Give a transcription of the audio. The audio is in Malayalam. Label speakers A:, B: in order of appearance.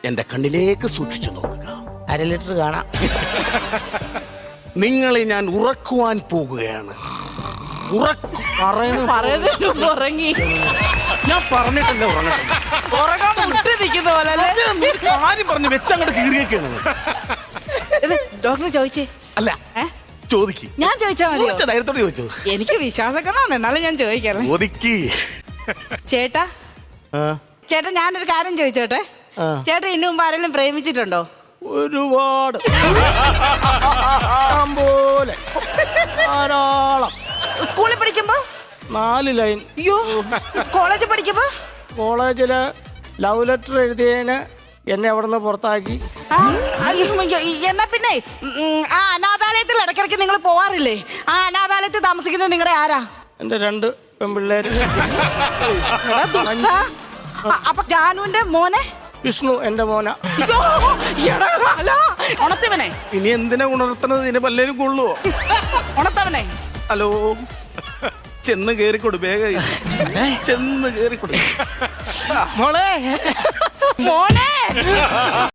A: എന്റെ കണ്ണിലേക്ക് സൂക്ഷിച്ചു നോക്കുക.
B: 1/2 ലിറ്റർ കാണാം.
A: നിങ്ങളെ ഞാൻ ഉറക്കുവാൻ പോകുകയാണ്.
C: പറയുന്നതിന് മുമ്പ് ഉറങ്ങി.
A: ഞാൻ പറഞ്ഞിട്ടല്ലേ ഉറങ്ങട്ടെ.
C: ഉറങ്ങാൻ മുട്ടി നിൽക്കുന്ന പോലെ അല്ലേ?
A: കാര്യം പറഞ്ഞു വെച്ചങ്ങോട്ട് കീറിയൊക്കെയാണ്.
C: ഇത് ഡോക്ടർ ചോദിച്ചേ?
A: അല്ല, ചോദിക്ക്.
C: ഞാൻ ചോദിച്ചാ മതിയോ?
A: ധൈര്യത്തോടെ ചോദിച്ചു.
C: എനിക്ക് വിശ്വാസക്കണമാണ്, എന്നാലും ഞാൻ ചോദിക്കാം.
A: ചോദിക്ക്.
C: ചേട്ടാ ചേട്ടാ, ഞാനൊരു കാര്യം ചോദിച്ചോട്ടെ. ചേട്ടാ ഇന്നു മുമ്പ് ആരെങ്കിലും പ്രേമിച്ചിട്ടുണ്ടോ?
A: ഒരുപാട് പോലെ ധാരാളം.
C: സ്കൂളിൽ പഠിക്കുമ്പോ?
A: 4 ലൈൻ.
C: അയ്യോ, കോളേജിൽ പഠിക്കുമ്പോ?
A: കോളേജില് ലവ് ലെറ്റർ എഴുതിയതിന് എന്നെ അവിടെ നിന്ന് പുറത്താക്കി.
C: എന്നാ പിന്നെ ആ അനാഥാലയത്തിൽ ഇടയ്ക്കിടയ്ക്ക് നിങ്ങൾ പോവാറില്ലേ? ആ അനാഥാലയത്തിൽ താമസിക്കുന്നത് നിങ്ങളുടെ ആരാ?
A: എന്റെ 2 പെൺപിള്ളേര്.
C: അപ്പൊ ജാനുവിന്റെ മോനെ?
A: വിഷ്ണു എന്റെ മോന.
C: ഉണത്തവനെ
A: ഇനി എന്തിനാ ഉണർത്തുന്നത്? ഇതിന് പല്ലേലും കൊള്ളുവോ?
C: ഉണത്തവനെ.
A: ഹലോ, ചെന്ന് കേറിക്കൊടു, വേഗം ചെന്ന് കേറിക്കൊടു
B: മോളെ
C: മോനെ.